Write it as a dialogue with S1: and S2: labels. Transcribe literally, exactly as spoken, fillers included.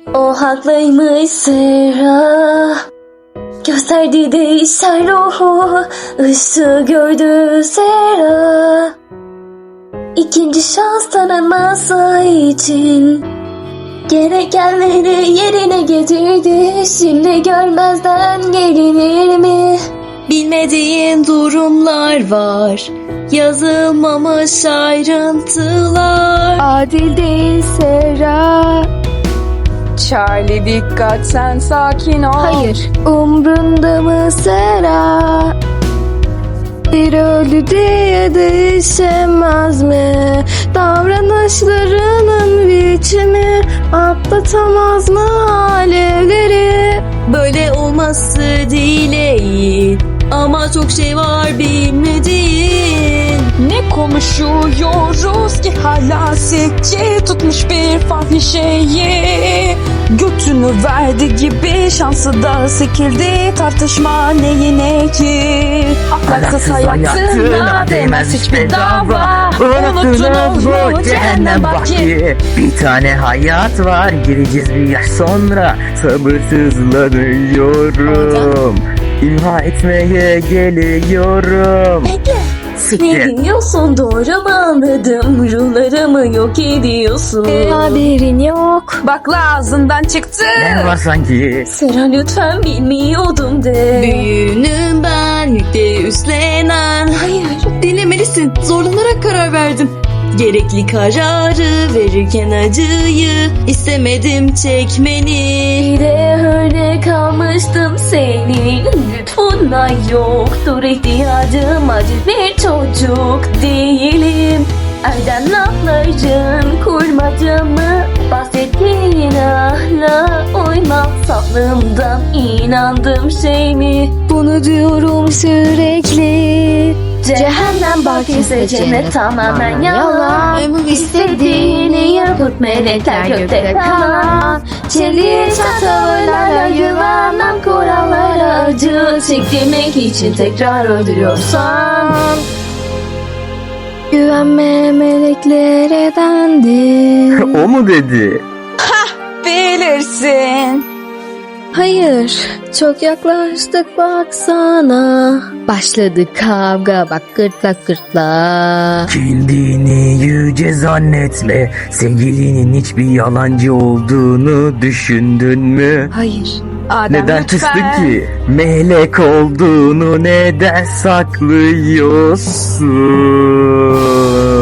S1: O haklıymış Sera. Gösterdi değişen ruhu, ışığı gördü Sera. İkinci şans tanınması için gerekenleri yerine getirdi. Şimdi görmezden gelinir mi? Bilmediğin durumlar var, yazılmamış ayrıntılar.
S2: Adil değil Sera. Charlie dikkat, sen sakin ol.
S1: Hayır.
S2: Umrunda mı Sera? Bir öldü diye değişemez mi? Davranışlarının biçimi atlatamaz mı alevleri?
S1: Böyle olması değil ama çok şey var bilmediğin.
S2: Ne konuşuyoruz ki hala sikçi tutmuş bir fahişeyi. Götünü verdi gibi şansı da sikildi, tartışma neyine ki? Ahlaksız hayatına değmez hiçbir dava.
S3: Unuttunuz mu cehennem bahçe? Bir tane hayat var, gireceğiz bir yaş sonra. Sabırsızlanıyorum, İmha etmeye geliyorum.
S1: Bekle. Ne
S3: Siktir.
S1: diyorsun, doğru mu anladım? Ruhlarımı yok ediyorsun.
S2: Haberin yok. Bak ağzından çıktı.
S3: Ne var sanki?
S1: Sera lütfen bilmiyordum de. Büyüğünüm ben, yükle üstlenen. Hayır, dinlemelisin. Zorlanarak karar verdim. Gerekli kararı verirken acıyı istemedim çekmeni. Bir de öyle kalmıştım senin lütfunla, yoktur ihtiyacım, acil bir çocuk değilim. Erdem lafların kurmacamı, bahsettiğin ahla uymam, saflığımdan inandım şey mi? Bunu diyorum sürekli. Cehennem bakirse cennet tamamen yalan. İstediğini yapıp melekler gökte kalan. Çeliğe çatavırlarla yuvarlan, kurallara acı çektirmek için tekrar öldürüyorsan.
S2: Güvenme meleklere dendi.
S3: O mu dedi?
S2: Bilirsin. Hayır, çok yaklaştık baksana. Başladı kavga, bak gırtlak gırtlağa.
S3: Kendini yüce zannetme. Sevgilinin hiçbir yalancı olduğunu düşündün mü?
S2: Hayır. Adem
S3: Neden
S2: lütfen.
S3: kıstın ki? Melek olduğunu neden saklıyorsun?